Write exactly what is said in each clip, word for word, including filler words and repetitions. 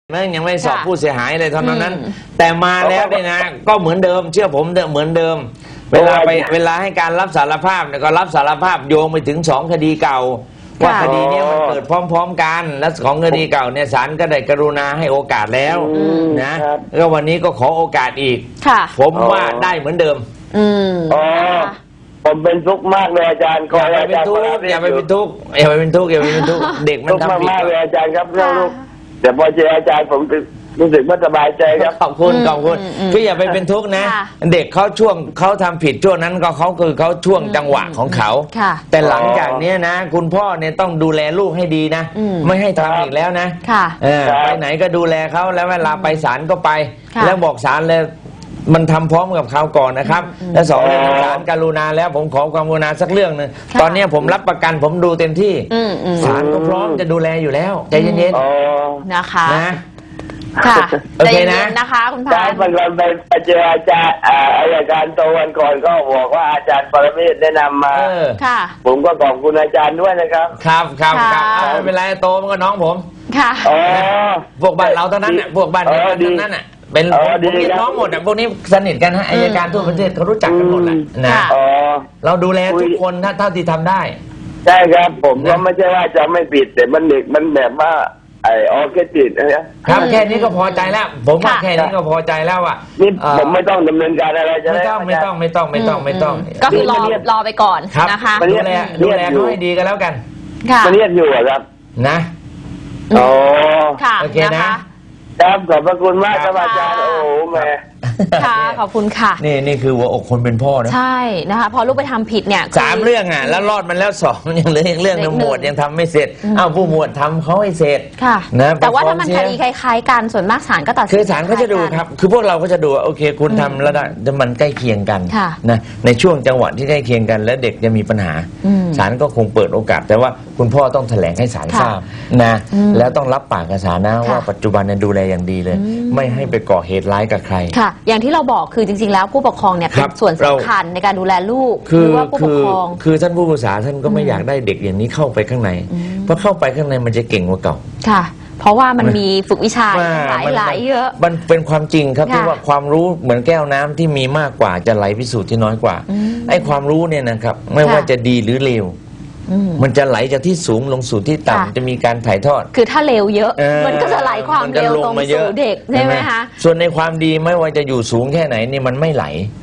นั่นยังไม่สอบผู้เสียหายเลยเท่านั้นแต่มาแล้วเนี่ยนะก็เหมือนเดิมเชื่อผมเหมือนเดิมเวลาไปเวลาให้การรับสารภาพเนี่ยก็รับสารภาพโยงไปถึงสองคดีเก่าว่าคดีนี้มันเกิดพร้อมๆกันและของคดีเก่าเนี่ยศาลก็ได้กรุณาให้โอกาสแล้วนะแล้ววันนี้ก็ขอโอกาสอีกผมว่าได้เหมือนเดิมอืมอ๋อผมเป็นทุกข์มากเลยอาจารย์อย่าไปเป็นทุกข์อย่าไปเป็นทุกข์อย่าไปเป็นทุกข์อย่าไปเป็นทุกข์เด็กมันทำผิดมากเลยอาจารย์ครับเรื่องลูกแต่พอเจออาจารย์ผมรู้สึกไม่สบายใจครับขอบคุณขอบคุณคืออย่าไปเป็นทุกข์นะเด็กเขาช่วงเขาทำผิดช่วงนั้นก็เขาคือเขาช่วงจังหวะของเขาแต่หลังจากนี้นะคุณพ่อเนี่ยต้องดูแลลูกให้ดีนะไม่ให้ทำอีกแล้วนะไปไหนก็ดูแลเขาแล้วเวลาไปศาลก็ไปแล้วบอกศาลเลยมันทำพร้อมกับเขาก่อนนะครับและสองเรื่องศาลกรุณาแล้วผมขอความกรุณาสักเรื่องหนึ่งตอนนี้ผมรับประกันผมดูเต็มที่ศาลก็พร้อมจะดูแลอยู่แล้วใจเย็นๆนะคะนะค่ะโอเคนะนะคะคุณพานอาจารย์ไปเจออาจารย์อายการโตวันก่อนก็บอกว่าอาจารย์ปรเมศแนะนำมาค่ะผมก็ขอบคุณอาจารย์ด้วยนะครับครับครับครับไม่เป็นไรโตมันก็น้องผมค่ะพวกบ้านเราเท่านั้นน่ะพวกบ้านเราเท่านั้นน่ะเป็นผมเรียกน้องหมดอ่ะพวกนี้สนิทกันฮะอัยการทั่วประเทศเขารู้จักกันหมดแหละนะเราดูแลทุกคนเท่าที่ทำได้ใช่ครับผมก็ไม่ใช่ว่าจะไม่ผิดแต่มันเด็กมันแบบว่าไอ้ออแค่ติดนะครับแค่นี้ก็พอใจแล้วผมว่าแค่นี้ก็พอใจแล้วอ่ะนี่ผมไม่ต้องดำเนินการอะไรจะไม่ต้องไม่ต้องไม่ต้องไม่ต้องไม่ต้องก็คือรอรอไปก่อนนะคะดูแลดูแลเขาให้ดีกันแล้วกันค่ะเรียกอยู่ครับนะอ๋อค่ะโอเคนะครับขอบพระคุณมากครับอาจารย์โอ้โหแม่ค่ะขอบคุณค่ะนี่นี่คือหัวอกคนเป็นพ่อนะใช่นะคะพอลูกไปทำผิดเนี่ยสามเรื่องอ่ะแล้วรอดมันแล้วสองยังเหลืออีกเรื่องนึงหมวดยังทำไม่เสร็จอ้าวผู้หมวดทำเขาให้เสร็จค่ะนะแต่ว่าถ้ามันคดีคล้ายๆกันส่วนมากศาลก็ตัดสินคือศาลเขาจะดูครับคือพวกเราก็จะดูโอเคคุณทำแล้วได้มันใกล้เคียงกันนะในช่วงจังหวะที่ใกล้เคียงกันและเด็กจะมีปัญหาศาลก็คงเปิดโอกาสแต่ว่าคุณพ่อต้องแถลงให้ศาลทราบนะแล้วต้องรับปากกับศาลนะว่าปัจจุบันเนี่ยดูแลอย่างดีเลยไม่ให้ไปก่อเหตุร้ายกับใครค่ะอย่างที่เราบอกคือจริงๆแล้วผู้ปกครองเนี่ยเป็นส่วนสำคัญในการดูแลลูกหรือว่าผู้ปกครองคือท่านผู้ปรึกษาท่านก็ไม่อยากได้เด็กอย่างนี้เข้าไปข้างในเพราะเข้าไปข้างในมันจะเก่งกว่าเก่าค่ะเพราะว่ามันมีฝึกวิชาหลายหลายเยอะมันเป็นความจริงครับที่ว่าความรู้เหมือนแก้วน้ำที่มีมากกว่าจะไหลพิสูจน์ที่น้อยกว่าไอ้ความรู้เนี่ยนะครับไม่ว่าจะดีหรือเลวมันจะไหลจากที่สูงลงสู่ที่ต่ำจะมีการถ่ายทอดคือถ้าเร็วเยอะมันก็จะไหลความเร็วลงสู่เด็กใช่ไหมคะส่วนในความดีไม่ว่าจะอยู่สูงแค่ไหนนี่มันไม่ไหล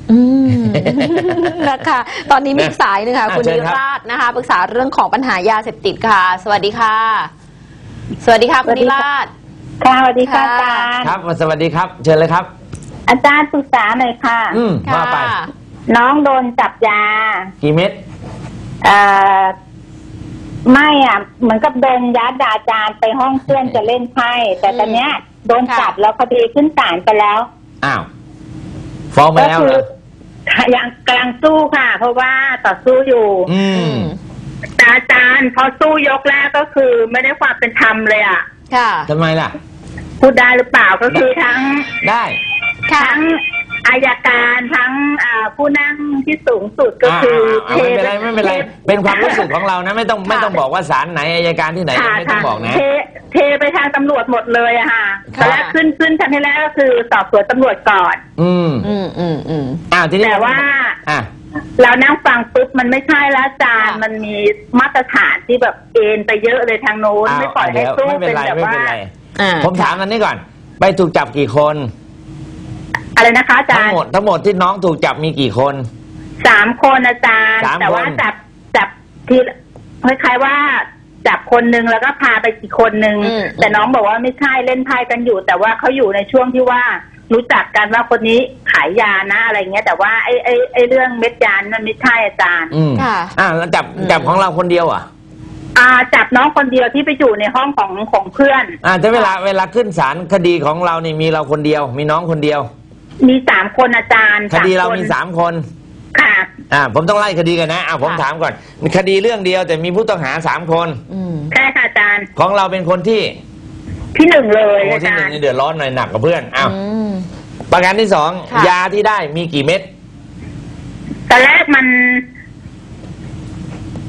นะคะตอนนี้มีสายนึงค่ะคุณนิราศนะคะปรึกษาเรื่องของปัญหายาเสพติดค่ะสวัสดีค่ะสวัสดีค่ะคุณนิราศค่ะสวัสดีค่ะอาจารย์ครับสวัสดีครับเชิญเลยครับอาจารย์ปรึกษาหน่อยค่ะอืมว่าไปน้องโดนจับยากี่เม็ดเอ่อไม่อ่ะเหมือนกับโดนยัดอาจารย์ไปห้องเพื่อนจะเล่นไพ่แต่ตอนเนี้ยโดนจับแล้วคดีขึ้นศาลไปแล้วอ้าวฟ้องไปแล้วเหรอยังกำลังสู้ค่ะเพราะว่าต่อสู้อยู่อืมแต่อาจารย์พอสู้ยกแรกก็คือไม่ได้ความเป็นธรรมเลยอ่ะค่ะทำไมล่ะพูดได้หรือเปล่าก็คือทั้งได้ทั้งอายการทั้งผู้นั่งที่สูงสุดก็คือไม่เป็นไรไม่เป็นไรเป็นความรู้สึกของเรานะไม่ต้องไม่ต้องบอกว่าศาลไหนอายการที่ไหนไม่ต้องบอกนะเทไปทางตำรวจหมดเลยอะค่ะแล้วขึ้นขึ้นชั้นที่แรกก็คือสอบสวนตำรวจก่อนอืมอืมอืมอืมอ้าวทีนี้แต่ว่าอ่ะเรานั่งฟังปุ๊บมันไม่ใช่แล้วอาจารย์มันมีมาตรฐานที่แบบเอ็นไปเยอะเลยทางโน้นไม่ปล่อยให้สู้เป็นแบบว่าผมถามอันนี้ก่อนไปถูกจับกี่คนอะไรนะคะอาจารย์ทั้งหมดทั้งหมดที่น้องถูกจับมีกี่คนสามคนอาจารย์แต่ว่าจับจับที่คล้ายๆว่าจับคนนึงแล้วก็พาไปอีกคนนึงแต่น้องบอกว่าไม่ใช่เล่นไพ่กันอยู่แต่ว่าเขาอยู่ในช่วงที่ว่ารู้จักกันว่าคนนี้ขายยานะอะไรเงี้ยแต่ว่าไอ้ไอ้ไอ้เรื่องเม็ดยานั่นไม่ใช่อาจารย์ค่ะอ่าแล้วจับจับของเราคนเดียวอ่ะอ่าจับน้องคนเดียวที่ไปอยู่ในห้องของของเพื่อนอ่าแต่เวลาเวลาขึ้นศาลคดีของเรานี่มีเราคนเดียวมีน้องคนเดียวมีสามคนอาจารย์คดีเรามีสามคนค่ะอ่าผมต้องไล่คดีกันนะอ่าผมถามก่อนมีคดีเรื่องเดียวแต่มีผู้ต้องหาสามคนใช่ค่ะอาจารย์ของเราเป็นคนที่ที่หนึ่งเลยอาจารย์ที่หนึ่งนี่เดือดร้อนหน่อยหนักกว่าเพื่อนอ้าวประการที่สองยาที่ได้มีกี่เม็ดตอนแรกมัน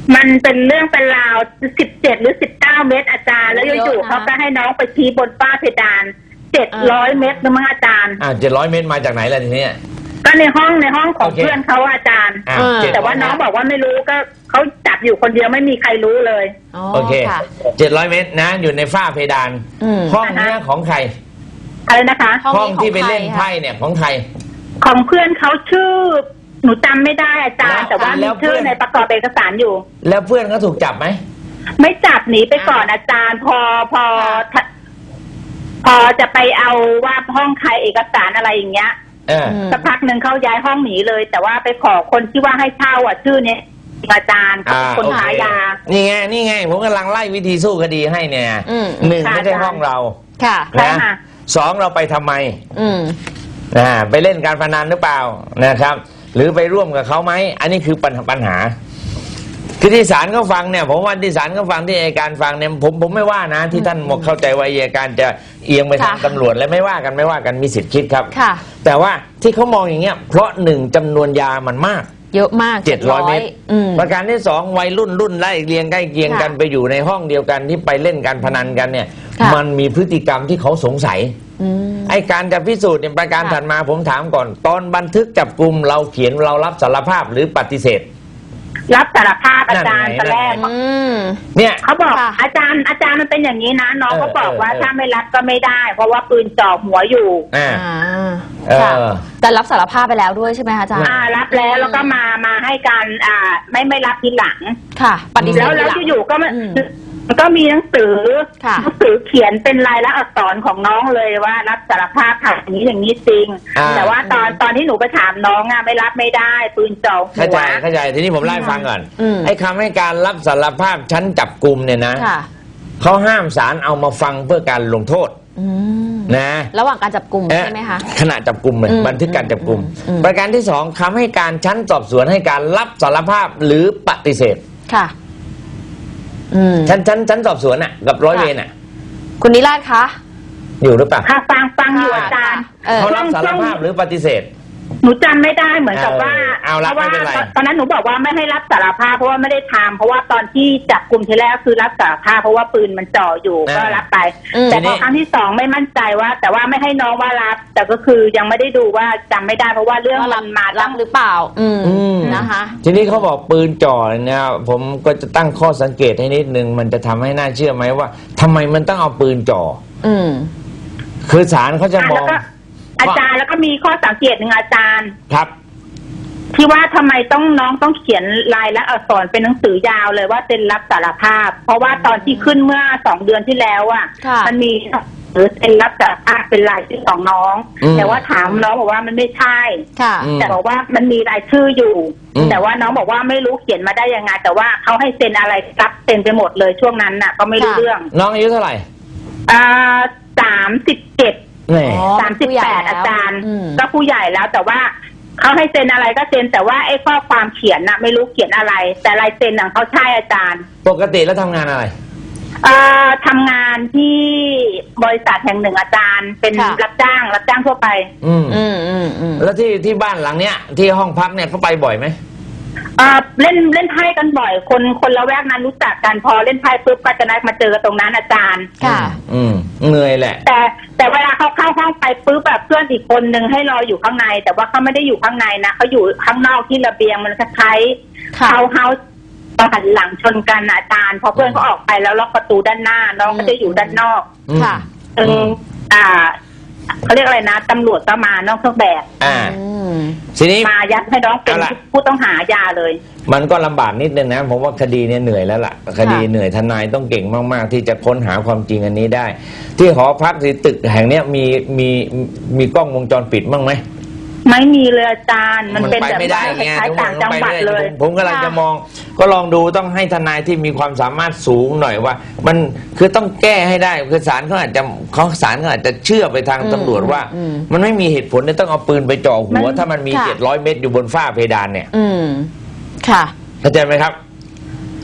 มันเป็นเรื่องเป็นราวสิบเจ็ดหรือสิบเก้าเมตรอาจารย์แล้วอยู่ๆเขาก็ให้น้องไปชี้บนฝ้าเพดานเจ็ดร้อยเมตรนะมั้งอาจารย์อ่าเจ็ดร้อยเมตรมาจากไหนล่ะทีนี้ก็ในห้องในห้องของเพื่อนเขาอาจารย์แต่ว่าน้องบอกว่าไม่รู้ก็เขาจับอยู่คนเดียวไม่มีใครรู้เลยโอเคเจ็ดร้อยเมตรนะอยู่ในฝ้าเพดานห้องนี้ของใครอะไรนะคะห้องที่ไปเล่นไพ่เนี่ยของใครของเพื่อนเขาชื่อหนูจำไม่ได้อาจารย์แต่ว่ามีชื่อในประกอบเอกสารอยู่แล้วเพื่อนเขาถูกจับไหมไม่จับหนีไปก่อนอาจารย์พอพอพอจะไปเอาว่าห้องใครเอกสารอะไรอย่างเงี้ยสักพักหนึ่งเขาย้ายห้องหนีเลยแต่ว่าไปขอคนที่ว่าให้เช่าอ่ะชื่อเนี้ยอาจารย์คนขายยานี่ไงนี่ไงผมกำลังไล่วิธีสู้คดีให้เนี่ยหนึ่งไม่ใช่ห้องเราค่ะนะสองเราไปทำไมอ่าไปเล่นการพนันหรือเปล่านะครับหรือไปร่วมกับเขาไหมอันนี้คือปัญหาคือที่ศาลเขาฟังเนี่ยผมว่าที่ศาลเขาฟังที่อัยการฟังเนี่ยผมผมไม่ว่านะที่ท่านหมกเข้าใจว่าอัยการจะเอียงไปทางตำรวจและไม่ว่ากันไม่ว่ากันมีสิทธิ์คิดครับแต่ว่าที่เขามองอย่างเงี้ยเพราะหนึ่งจำนวนยามันมากเยอะมากเจ็ดร้อยเมตรประการที่สองวัยรุ่นรุ่นไล่เรียงใกล้เคียงกันไปอยู่ในห้องเดียวกันที่ไปเล่นการพนันกันเนี่ยมันมีพฤติกรรมที่เขาสงสัยไอ้การจะพิสูจน์ในประการถัดมาผมถามก่อนตอนบันทึกจับกุมเราเขียนเรารับสารภาพหรือปฏิเสธรับสารภาพอาจารย์ตอนแรกเนี่ยเขาบอกอาจารย์อาจารย์มันเป็นอย่างนี้นะน้องเขาบอกว่าถ้าไม่รับก็ไม่ได้เพราะว่าปืนจ่อหัวอยู่อ่าแต่รับสารภาพไปแล้วด้วยใช่ไหมคะอาจารย์อ่ารับแล้วแล้วก็มามาให้การอ่าไม่ไม่รับทีหลังค่ะปฏิเสธแล้วแล้วอยู่ๆก็มันก็มีหนังสือหนังสือเขียนเป็นลายลักษณ์อักษรของน้องเลยว่ารับสารภาพทำอย่างนี้อย่างนี้จริงแต่ว่าตอนตอนที่หนูไปถามน้องอ่ะไม่รับไม่ได้ปืนจ่อหัวเข้าใจเข้าใจทีนี้ผมไล่ฟังก่อนไอ้คำให้การรับสารภาพชั้นจับกุมเนี่ยนะเขาห้ามศาลเอามาฟังเพื่อการลงโทษนะระหว่างการจับกุมใช่ไหมคะขณะจับกุมเลยบันทึกการจับกุมประการที่สองคำให้การชั้นสอบสวนให้การรับสารภาพหรือปฏิเสธค่ะชั้นชั้นชั้นสอบสวนอ่ะกับร้อยเวรอ่ะคุณนิราศคะอยู่หรือเปล่าค่ะฟังฟังอยู่อาจารย์เขารับสารภาพหรือปฏิเสธหนูจำไม่ได้เหมือนกับว่าเพราะว่าตอนนั้นหนูบอกว่าไม่ให้รับสารภาพเพราะว่าไม่ได้ทำเพราะว่าตอนที่จับกลุ่มทีแรกคือรับสารภาพเพราะว่าปืนมันจ่ออยู่ก็รับไปแต่พอครั้งที่สองไม่มั่นใจว่าแต่ว่าไม่ให้น้องว่ารับแต่ก็คือยังไม่ได้ดูว่าจำไม่ได้เพราะว่าเรื่องมันมารับหรือเปล่าอืมนะคะทีนี้เขาบอกปืนจ่อเนี่ยผมก็จะตั้งข้อสังเกตให้นิดนึงมันจะทำให้น่าเชื่อไหมว่าทำไมมันต้องเอาปืนจ่ออืมคือศาลเขาจะมองอาจารย์แล้วก็มีข้อสังเกตหนึ่งอาจารย์ครับที่ว่าทำไมต้องน้องต้องเขียนลายลักษณ์อักษรเป็นหนังสือยาวเลยว่าเซ็นรับสารภาพเพราะว่าตอนที่ขึ้นเมื่อสองเดือนที่แล้วอ่ะมันมีหรือเซ็นรับสารภาพเป็นลายชื่อของน้องแต่ว่าถามน้องบอกว่ามันไม่ใช่แต่บอกว่ามันมีรายชื่ออยู่แต่ว่าน้องบอกว่าไม่รู้เขียนมาได้ยังไงแต่ว่าเขาให้เซ็นอะไรรับเซ็นไปหมดเลยช่วงนั้นน่ะก็ไม่รู้เรื่องน้องอายุเท่าไหร่อ่าสามสิบเจ็ดสามสิบแปดอาจารย์ก็ผู้ใหญ่แล้วแต่ว่าเขาให้เซ็นอะไรก็เซ็นแต่ว่าไอ้ข้อความเขียนน่ะไม่รู้เขียนอะไรแต่ลายเซ็นของเขาใช่อาจารย์ปกติแล้วทำงานอะไรเอ่อทำงานที่บริษัทแห่งหนึ่งอาจารย์เป็นรับจ้างรับจ้างทั่วไปอืมอืมอืมอืมแล้วที่ที่บ้านหลังเนี้ยที่ห้องพักเนี่ยเขาไปบ่อยไหมเอ่อเล่นเล่นไพ่กันบ่อยคนคนละแวกนั้นรู้จักกันพอเล่นไพ่ปุ๊บก็จะนัดมาเจอกันตรงนั้นอาจารย์ค่ะอืมเหนื่อยแหละแต่แต่เวลาเขาเข้าห้องไปปุ๊บแบบเพื่อนอีกคนนึงให้รออยู่ข้างในแต่ว่าเขาไม่ได้อยู่ข้างในนะเขาอยู่ข้างนอกที่ระเบียงมันคล้ายๆเขาเฮาต้องหันหลังชนกันอาจารย์พอเพื่อนเขาออกไปแล้วล็อกประตูด้านหน้าน้องก็จะอยู่ด้านนอกค่ะเอออ่าเขาเรียกอะไรนะตำรวจก็มานอกเครื่องแบบอ่าทีนี้มายัดให้น้องเป็นผู้ต้องหายาเลยมันก็ลำบากนิดนึงนะผมว่าคดีเนี่ยเหนื่อยแล้วล่ะคดีเหนื่อยทนายต้องเก่งมากๆที่จะค้นหาความจริงอันนี้ได้ที่หอพักที่ตึกแห่งเนี้ยมีมีมีกล้องวงจรปิดบ้างไหมไม่มีเลยอาจารย์มันเป็นแบบว่าคล้ายต่างจังหวัดเลยผมกำลังจะมองก็ลองดูต้องให้ทนายที่มีความสามารถสูงหน่อยว่ามันคือต้องแก้ให้ได้คือศาลเขาอาจจะเขาศาลเขาอาจจะเชื่อไปทางตำรวจว่ามันไม่มีเหตุผลที่ต้องเอาปืนไปจ่อหัวถ้ามันมีเจ็ดร้อยเมตรอยู่บนฝ้าเพดานเนี่ยอืมค่ะเข้าใจไหมครับ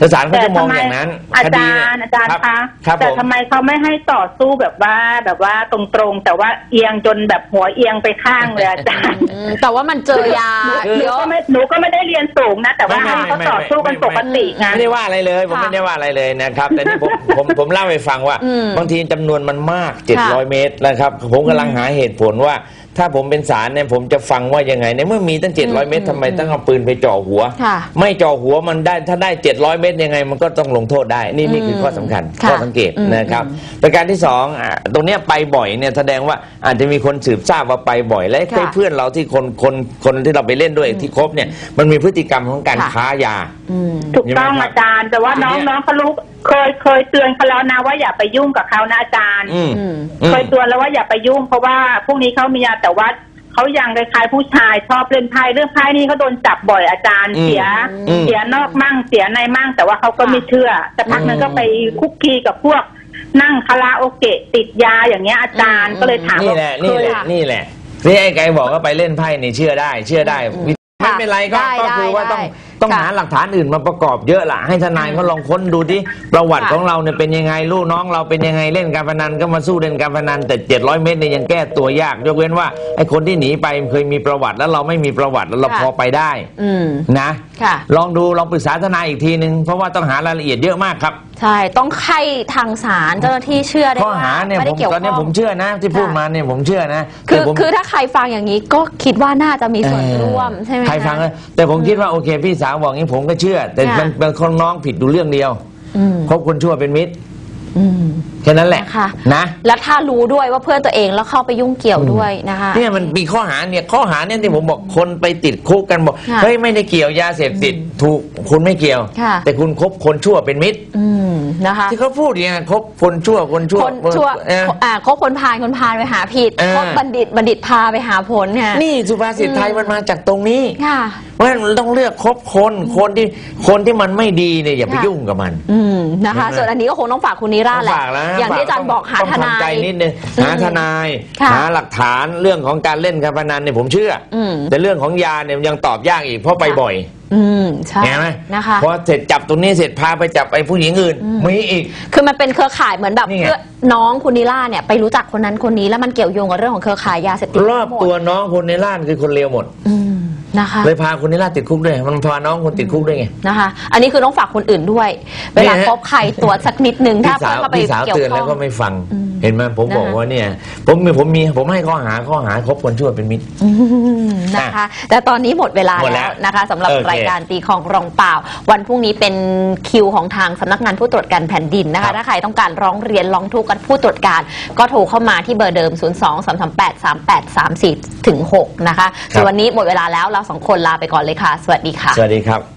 แต่ศาลเขาจะมองอย่างนั้นอาจารย์อาจารย์คะแต่ทำไมเขาไม่ให้ต่อสู้แบบว่าแบบว่าตรงๆแต่ว่าเอียงจนแบบหัวเอียงไปข้างเลยอาจารย์แต่ว่ามันเจอยาหนูก็ไม่หนูก็ไม่ได้เรียนสูงนะแต่ว่าให้เขาต่อสู้กันปกติไงไม่ได้ว่าอะไรเลยผมไม่ได้ว่าอะไรเลยนะครับแต่นี่ผมผมผมเล่าให้ฟังว่าบางทีจำนวนมันมากเจ็ดร้อยเมตรนะครับผมกำลังหาเหตุผลว่าถ้าผมเป็นศาลเนี่ยผมจะฟังว่ายังไงในเมื่อมีตั้งเจ็ดร้อยเมตรทำไมต้องเอาปืนไปจ่อหัวไม่จ่อหัวมันได้ถ้าได้เจ็ดร้อยเมตรยังไงมันก็ต้องลงโทษได้นี่นี่คือข้อสำคัญข้อสังเกตนะครับประการที่สองตรงเนี้ยไปบ่อยเนี่ยแสดงว่าอาจจะมีคนสืบทราบว่าไปบ่อยและเพื่อนเราที่คนคนคนที่เราไปเล่นด้วยที่คบเนี่ยมันมีพฤติกรรมของการค้ายาถูกต้องอาจารย์แต่ว่าน้องน้องเขารู้เคยเคยเตือนเขาแล้วนะว่าอย่าไปยุ่งกับเขานะอาจารย์เคยเตือนแล้วว่าอย่าไปยุ่งเพราะว่าพวกนี้เขามียาแต่ว่าเขายังคล้ายๆผู้ชายชอบเล่นไพ่เรื่องไพ่นี่เขาโดนจับบ่อยอาจารย์เสียเสียนอกมั่งเสียในมั่งแต่ว่าเขาก็ไม่เชื่อแต่พักนั้นก็ไปคุกคีกับพวกนั่งคาราโอเกะติดยาอย่างเงี้ยอาจารย์ก็เลยถามนี่แหละนี่แหละนี่แหละนี่ไอ้ไก่บอกว่าไปเล่นไพ่นี่เชื่อได้เชื่อได้ไม่เป็นไรก็ก็คือว่าต้องต้องหาหลักฐานอื่นมาประกอบเยอะล่ะให้ทนายเขาลองค้นดูดิประวัติของเราเนี่ยเป็นยังไงลูกน้องเราเป็นยังไงเล่นการพนันก็มาสู้เล่นการพนันแต่เจ็ดร้อยเมตรเนี่ยยังแก้ตัวยากยกเว้นว่าไอ้คนที่หนีไปเคยมีประวัติแล้วเราไม่มีประวัติแล้วเราพอไปได้นะลองดูลองปรึกษาทนายอีกทีนึงเพราะว่าต้องหารายละเอียดเยอะมากครับใช่ต้องไข้ทางศาลเจ้าหน้าที่เชื่อได้ข้อหาเนี่ยผมตอนนี้ผมเชื่อนะที่พูดมาเนี่ยผมเชื่อนะคือคือถ้าใครฟังอย่างนี้ก็คิดว่าน่าจะมีส่วนร่วมใช่ไหมใครฟังแต่ผมคิดว่าโอเคพี่สาวบอกงี้ผมก็เชื่อแต่มันเป็นคนน้องผิดดูเรื่องเดียวคบคนชั่วเป็นมิตรแค่นั้นแหละนะแล้วถ้ารู้ด้วยว่าเพื่อนตัวเองแล้วเข้าไปยุ่งเกี่ยวด้วยนะคะเนี่ยมันมีข้อหาเนี่ยข้อหาเนี่ยที่ผมบอกคนไปติดคุกกันบอกเฮ้ยไม่ได้เกี่ยวยาเสพติดถูกคุณไม่เกี่ยวแต่คุณคบคนชั่วเป็นมิตรนะคะที่เขาพูดอย่างนี้คบคนชั่วคนชั่วคนชั่วอ่าคบคนพาลคนพาลไปหาผิดคบบัณฑิตบัณฑิตพาไปหาผลค่ะนี่สุภาษิตไทยมันมาจากตรงนี้เพราะฉะนั้นต้องเลือกคบคนคนที่คนที่มันไม่ดีเนี่ยอย่าไปยุ่งกับมันนะคะส่วนอันนี้ก็คงต้องฝากคุณนิราศแหละอย่างที่อาจารย์บอกหาทนายใจนิดนึงหาทนายหาหลักฐานเรื่องของการเล่นการพนันเนี่ยผมเชื่อแต่เรื่องของยาเนี่ยยังตอบยากอีกเพราะไปบ่อยอืมใช่เห็นไหมนะคะพอเสร็จจับตรงนี้เสร็จพาไปจับไอ้ผู้หญิงอื่นมีอีกคือมันเป็นเครือข่ายเหมือนแบบเพื่อน้องคุณนิราเนี่ยไปรู้จักคนนั้นคนนี้แล้วมันเกี่ยวโยงกับเรื่องของเครือข่ายยาเสพติดรอบตัวน้องคนนิราคือคนเลวหมดนะคะเลยพาคนนิราติดคุกด้วยมันพาน้องคนติดคุกด้วยไงนะคะอันนี้คือต้องฝากคนอื่นด้วยเวลาพบใครตรวจสักนิดนึงถ้าเพื่อนมาไปเกี่ยวข้องแล้วก็ไม่ฟังเห็นไหมผมบอกว่าเนี่ยผมมีผมมีผมให้ข้อหาข้อหาคบคนชั่วเป็นมิตรนะคะแต่ตอนนี้หมดเวลาแล้วนะคะสำหรับรายการตีของรองเปล่าวันพรุ่งนี้เป็นคิวของทางสำนักงานผู้ตรวจการแผ่นดินนะคะถ้าใครต้องการร้องเรียนร้องทุกข์กับผู้ตรวจการก็โทรเข้ามาที่เบอร์เดิมศูนย์ สอง สาม สาม แปด สาม แปด สาม สี่ ถึง หกนะคะส่วนวันนี้หมดเวลาแล้วเราสองคนลาไปก่อนเลยค่ะสวัสดีค่ะสวัสดีครับ